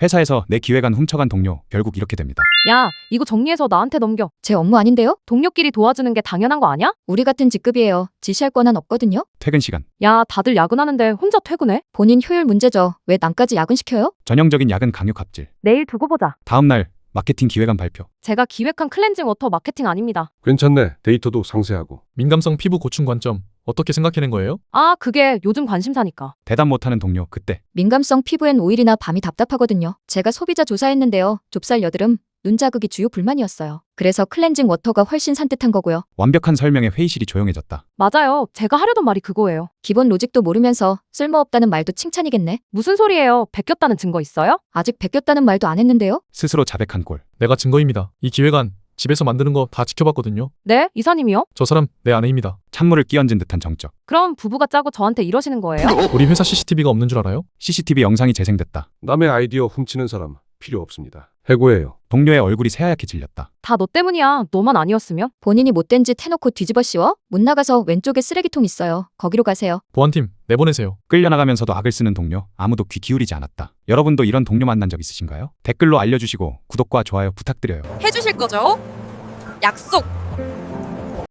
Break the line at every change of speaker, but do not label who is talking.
회사에서 내 기획안 훔쳐간 동료, 결국 이렇게 됩니다.
야, 이거 정리해서 나한테 넘겨.
제 업무 아닌데요?
동료끼리 도와주는 게 당연한 거 아니야?
우리 같은 직급이에요. 지시할 권한 없거든요.
퇴근 시간,
야, 다들 야근하는데 혼자 퇴근해?
본인 효율 문제죠. 왜 남까지 야근시켜요?
전형적인 야근 강요 갑질.
내일 두고 보자.
다음 날 마케팅 기획안 발표.
제가 기획한 클렌징 워터 마케팅 아닙니다.
괜찮네. 데이터도 상세하고.
민감성 피부 고충 관점 어떻게 생각해낸 거예요?
아, 그게 요즘 관심사니까.
대답 못하는 동료, 그때
민감성 피부엔 오일이나 밤이 답답하거든요. 제가 소비자 조사했는데요. 좁쌀 여드름, 눈 자극이 주요 불만이었어요. 그래서 클렌징 워터가 훨씬 산뜻한 거고요.
완벽한 설명에 회의실이 조용해졌다.
맞아요. 제가 하려던 말이 그거예요.
기본 로직도 모르면서 쓸모없다는 말도 칭찬이겠네.
무슨 소리예요? 베꼈다는 증거 있어요?
아직 베꼈다는 말도 안 했는데요.
스스로 자백한 꼴.
내가 증거입니다. 이 기획안 집에서 만드는 거 다 지켜봤거든요.
네? 이사님이요?
저 사람 내 아내입니다.
찬물을 끼얹은 듯한 정적.
그럼 부부가 짜고 저한테 이러시는 거예요?
우리 회사 CCTV가 없는 줄 알아요?
CCTV 영상이 재생됐다.
남의 아이디어 훔치는 사람 필요 없습니다. 해고해요.
동료의 얼굴이 새하얗게 질렸다.
다 너 때문이야. 너만 아니었으면?
본인이 못된 짓 해놓고 뒤집어 씌워? 못 나가서 왼쪽에 쓰레기통 있어요. 거기로 가세요.
보안팀 내보내세요.
끌려나가면서도 악을 쓰는 동료, 아무도 귀 기울이지 않았다. 여러분도 이런 동료 만난 적 있으신가요? 댓글로 알려주시고 구독과 좋아요 부탁드려요.
해주실 거죠? 약속!